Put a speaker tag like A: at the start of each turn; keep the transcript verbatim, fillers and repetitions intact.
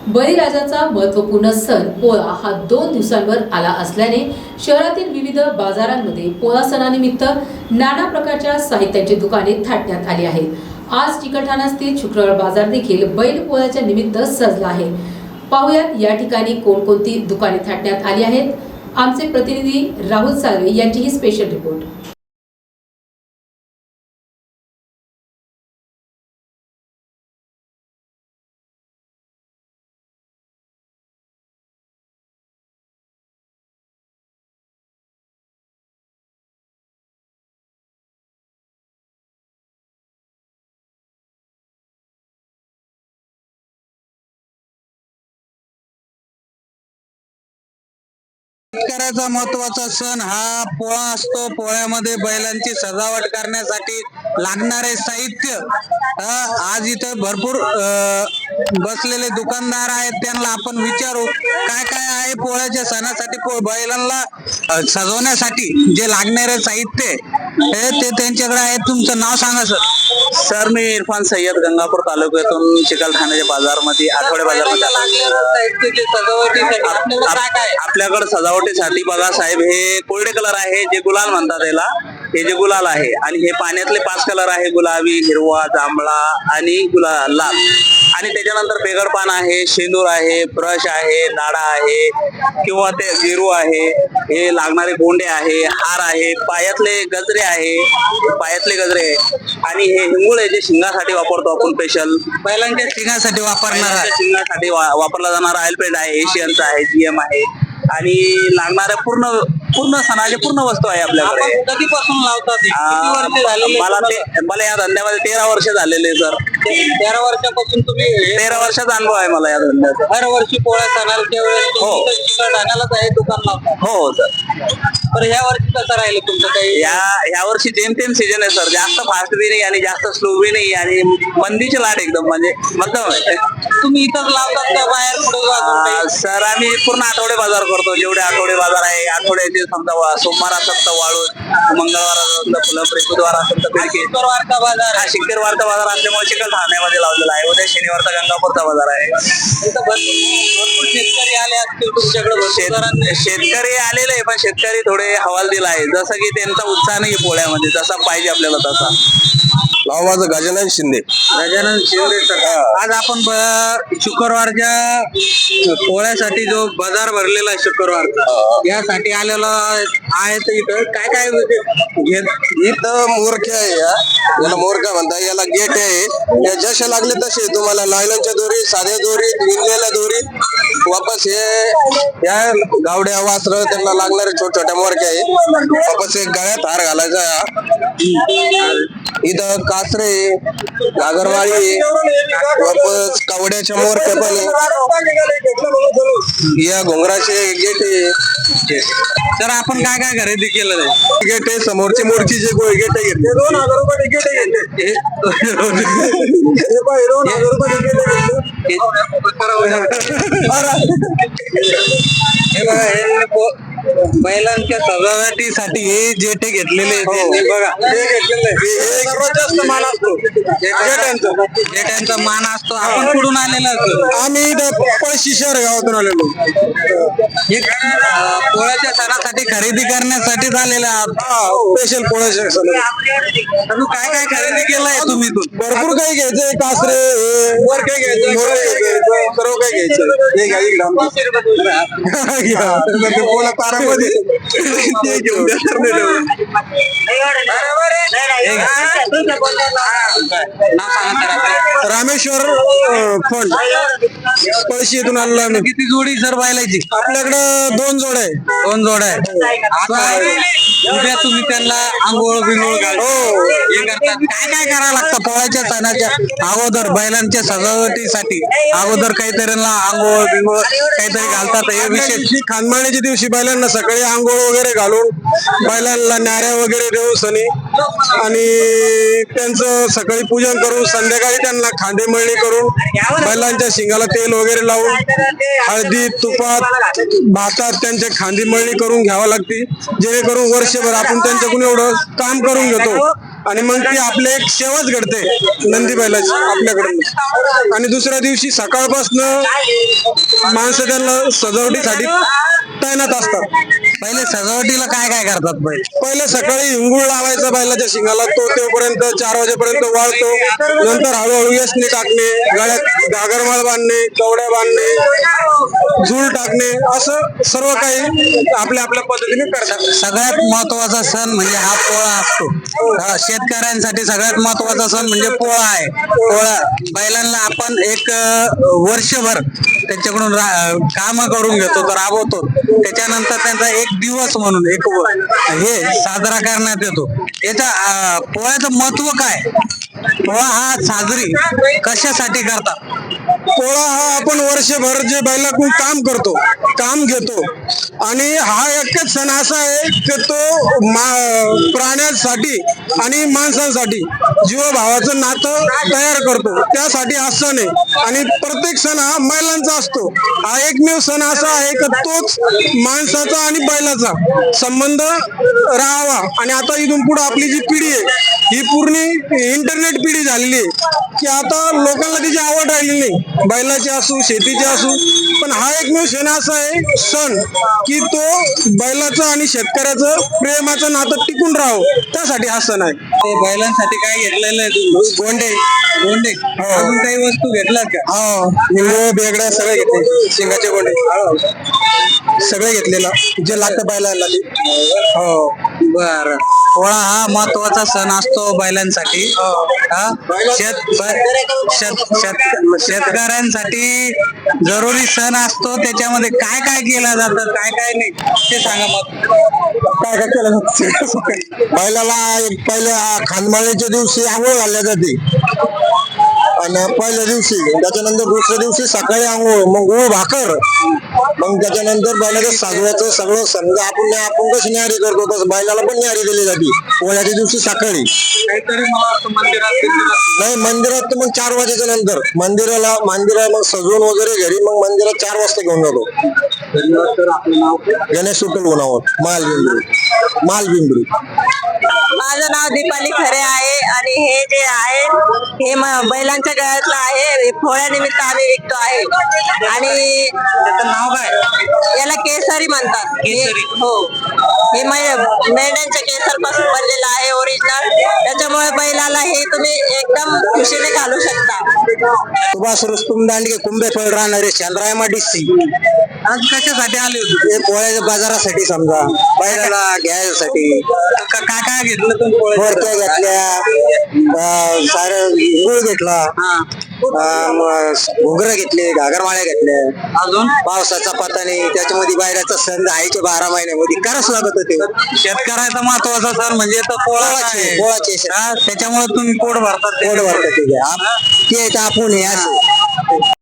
A: बळीराजाचा महत्त्वपूर्ण सण पोळा हा दोन दिवसांवर आला असल्याने शहरातील विविध बाजारांमध्ये पोळा सणानिमित्त नाना प्रकारच्या साहित्याची दुकाने थाटण्यात आली आहेत. आज चिकलठाणा स्थित शुक्रवार बाजार देखील बैल पोळ्याच्या निमित्त सजला आहे. पाहुयात या ठिकाणी कोणकोणती दुकाने थाटण्यात आली आहेत. आमचे प्रतिनिधी राहुल साळवे यांची ही स्पेशल रिपोर्ट.
B: शेतकऱ्याचा महत्वाचा सण हा पोळा असतो. पोळ्यामध्ये बैलांची सजावट करण्यासाठी लागणारे साहित्य आज इथे भरपूर बसलेले दुकानदार आहेत, त्यांना आपण विचारू काय काय आहे पोळ्याच्या सणासाठी बैलांना सजवण्यासाठी जे लागणारे साहित्य हे ते त्यांच्याकडे आहे. तुमचं नाव सांगा सर.
C: सर मी इरफान सय्यद, गंगापूर तालुक्यातून चिकलठाण्याच्या बाजारमध्ये आठवडे बाजारमध्ये आपल्याकडे सजावटीसाठी बघा साहेब, हे कोरडे कलर आहे जे गुलाल म्हणतात याला. हे जे गुलाल आहे आणि हे पाण्यातले पाच कलर आहे, गुलाबी, हिरवा, जांभळा आणि गुलाल लाल. आणि त्याच्यानंतर बेगडपान आहे, शेंदूर आहे, ब्रश आहे, नाडा आहे किंवा ते गिरू आहे, हे लागणारे गोंडे आहे, हार आहे, पायातले गजरे आहे, पायातले गजरे आहे आणि हे हिंगुळ जे शिंगासाठी वापरतो आपण स्पेशल
B: बैलांच्या शिंगासाठी वापरणार
C: शिंगासाठी वापरला जाणारा ऑइल पेंट आहे, एशियनचा आहे, जीएम आहे आणि लागणाऱ्या पूर्ण पूर्ण सणाचे पूर्ण वस्तू आहे आपल्याकडे.
B: कधीपासून लावतात?
C: मला ते मला या धंद्यामध्ये तेरा वर्ष झालेले सर.
B: तेरा वर्षापासून तुम्ही
C: तेरा वर्षाचा अनुभव आहे मला या धंद्याचा.
B: हर वर्षी पोळ्या सणाच्या वेळेस
C: हो
B: चिकलठाण्यालाच आहे दुकान लावतात.
C: हो सर.
B: तर ह्या वर्षी कसं राहिलं तुमचं काही?
C: या या वर्षी जेमतेम सीजन आहे सर. जास्त फास्ट बी नाही आणि जास्त स्लो बी नाही आणि मंदीचे लाट एकदम म्हणजे मध्यम आहे.
B: तुम्ही इथंच लावतात का बाहेर पुढे?
C: सर आम्ही पूर्ण आठवडे बाजार करतो. जेवढे आठवडे बाजार आहे आठवड्याचे समजा सोमवार असेल तर वाळून, मंगळवार असेल तर फुलंब्री, बुधवार असेल तर बिडकी.
B: शुक्रवारचा बाजार
C: हा शुक्रवारचा बाजार असल्यामुळे चिकलठाण्यामध्ये लावलेला आहे. उद्या शनिवारचा गंगापूरचा बाजार आहे.
B: भरपूर शेतकरी आले असतील तुमच्याकडे?
C: शेतकरी आलेले आहे पण शेतकरी थोडे हवालदिल आहे, जसं की त्यांचा उत्साह नाही पोळ्यामध्ये जसा पाहिजे आपल्याला तसा.
D: नाव माझं गजानन शिंदे.
B: गजानन शिंदे सर, आज आपण शुक्रवारच्या पोळ्यासाठी जो बाजार भरलेला आहे शुक्रवारचा, यासाठी आलेला आहे. तर इथं काय काय घेत?
D: इथं मोरखे आहे, याला मोरका म्हणतात. याला गेट आहे, या जसे लागले तसे तुम्हाला लायलनच्या दोरी, साध्या दोरी, विणलेल्या दोरी, वापस हे या गावड्या वासर त्यांना लागणारे छोट्या छोट्या मोरके आहे. वापस एक गळ्यात हार घालायचा. इथं कासरे, घागरवाळी, वापस कावड्याच्या मोरके पण या घोंगराचे गेट आहे.
B: तर आपण काय काय खरेदी केलं आहे?
D: गेट आहे, समोरची मोरची जे गोळ गेट आहे ते दोन हजार रुपये गेट आहे. दोन हजार रुपये
B: बैलांच्या सजावटीसाठी हे जेटे घेतलेले बघा.
D: सर्वात जास्त मान असतो
B: जेट्यांचा मान असतो. आपण कुठून आलेला असतो?
D: आम्ही पळशी शहर गावातून आलेलो.
B: पोळ्याच्या सणासाठी खरेदी करण्यासाठी झालेला
D: स्पेशल पोळ्याच्या
B: तू काय काय खरेदी केलंय तुम्ही? तू
D: भरपूर काही घ्यायचंय, कासरे वर काही घ्यायचं, सर्व काही घ्यायचं. हे घ्या पोळा तारामध्ये ते घेऊन रामेश्वर फंड पळशी येथून आलेलो आम्ही.
B: किती जोडी सर बैलाची?
D: आपल्याकडं दोन जोड आहे.
B: दोन जोड आहे. उद्या तुम्ही त्यांना आंघोळ बिंगोळ घाल हे करतात. काय काय करावं लागतं पोळ्याच्या सणाच्या अगोदर? बैलांच्या सजावटीसाठी अगोदर काहीतरी आंघोळ बिंगोळ काहीतरी घालतात. हे विशेष
D: खानमाळीच्या दिवशी बैलांना सकाळी आंघोळ वगैरे घालून बैलांना नाऱ्या वगैरे देऊन सनी आणि त्यांचं सकाळी पूजन करून संध्याकाळी त्यांना खांदे मळणी करून बैलांच्या शिंगाला तेल वगैरे लावून हळदी तुपात भातात त्यांच्या खांदी मळणी करून घ्यावं लागते, जेणेकरून वर्षभर आपण त्यांच्याकडून एवढं काम करून घेतो आणि मग ती आपले एक सेवाच घडते नंदी बैलाची आपल्याकडून. आणि दुसऱ्या दिवशी सकाळपासनं माणसं त्यांना सजावटीसाठी तैनात असतात.
B: पहिले सजावटीला काय काय करतात बैल?
D: पहिले सकाळी हिंगूळ लावायचा बैलाच्या शिंगाला, तो तेवपर्यंत चार वाजेपर्यंत वाळतो. नंतर हळूहळू यसनी टाकणे, गळ्यात घागरमाळ बांधणे, कवड्या बांधणे, झूल टाकणे, असं सर्व काही आपल्या आपल्या पद्धतीने करतात.
B: सगळ्यात महत्वाचा सण म्हणजे हा पोळा असतो. हा, शेतकऱ्यांसाठी सगळ्यात महत्वाचा सण म्हणजे पोळा आहे. पोळा बैलांना आपण एक अं, वर्षभर त्यांच्याकडून काम करून घेतो, तर राबवतो. त्याच्यानंतर त्यांचा एक दिवस म्हणून एक व- हे साजरा करण्यात येतो. याचा अं, पोळ्याचं महत्व काय? पोळा हा साजरी कशासाठी करतात?
D: पोळा हा आपण वर्षभर जे बैलाकडून काम करतो, काम घेतो, आणि हा एकच सण असा आहे की तो मा- प्राण्यांसाठी आणि माणसांसाठी जीवभावाचं नातं तयार करतो, त्यासाठी हा सण आहे. आणि प्रत्येक सण हा बैलांचा असतो. हा एकमेव सण असा आहे की तोच माणसाचा आणि बैलाचा संबंध राहावा. आणि आता इथून पुढे आपली जी पिढी आहे ही पूर्ण इंटरनेट पिढी झालेली आहे की आता लोकांना तिची आवड राहिली नाही, बैलाची असू शेतीची असू. पण हा एकमेव क्षण असा आहे सण की तो बैलाचं आणि शेतकऱ्याचं प्रेमाचं नातं टिकून राहावं, त्यासाठी हा सण आहे.
B: ते बैलांसाठी काय घेतलेलं आहे तुम्ही?
D: गोंडे
B: गोंडे अजून काही वस्तू घेतल्यात का?
D: हो, निंगो बेगड्या सगळे घेतले, शिंगाचे गोंडे सगळे घेतलेलं जे लागतं बैलाला ते. हो,
B: बर. पोळा हा महत्वाचा सण असतो बैलांसाठी. हा? शेत शेत- शेत- शेतकऱ्यांसाठी जरुरी सण असतो. त्याच्यामध्ये काय काय केलं जातं, काय काय नाही ते सांगा मग.
D: काय काय केलं जातं? बैलाला एक पहिल्या खानमाळीच्या दिवशी आंघोळ घालल्या जाते, आणि पहिल्या दिवशी, त्याच्यानंतर दुसऱ्या दिवशी सकाळी आंघोळ, मग गुळ भाकर, मग त्याच्यानंतर बैलाचं साजवायचं सगळं. समजा आपण आपण कशी न्यारी करतो तसं बैलाला पण न्यारी दिली जाते पोळ्याच्या दिवशी सकाळी.
B: काहीतरी मला वाटतं मंदिरात बिंदिरात
D: नाही, मंदिरात तर मग चार वाजेच्या नंतर मंदिराला मंदिरा मग सजवून वगैरे घरी मग मंदिरात चार वाजता घेऊन जातो.
B: तर आपलं नाव
D: गणेश सुटल गुणावर मालबिंबरी मालबिंबरी
E: माझं नाव दीपाली खरे आहे आणि हे जे आहे हे म- बैलांच्या गळ्यातलं आहे. हे पोळ्यानिमित्त आम्ही विकतो आहे आणि
B: त्याचं नाव काय?
E: याला केसरी म्हणतात.
B: केसरी.
E: हे- हो, हे मै- मेंढ्यांच्या केसर पासून बनलेलं आहे ओरिजिनल. त्याच्यामुळे बैलाला हे तुम्ही एकदम खुशीने घालू शकता.
D: सुभाष रुस्तुम दांडगे कुंभेफळ राहणारे चंद्रायमा डिस्सी.
B: आज कशासाठी आले होते?
D: हे पोळ्याच्या बाजारासाठी समजा बैलाला घ्यायसाठी.
B: का- काय काय घेतलं तुम्ही पोळ्याचं?
D: बोरक्या घेतल्या, सारं गुळ घेतला,
B: हा.
D: घुगरं घेतले, घागरमाळ्या घेतल्या.
B: अजून
D: पावसाचा पता नाही, त्याच्यामध्ये बाहेरचा सण आईच्या बारा महिन्यामध्ये करावंच लागत होते.
B: शेतकऱ्याचा महत्वाचा सण म्हणजे तो पोळा
D: पोळाचे
B: आहे.
D: पोळाचे सण.
B: हा, त्याच्यामुळे तुम्ही पोट भरतात.
D: पोट भरतात ते. ते आपण हे असं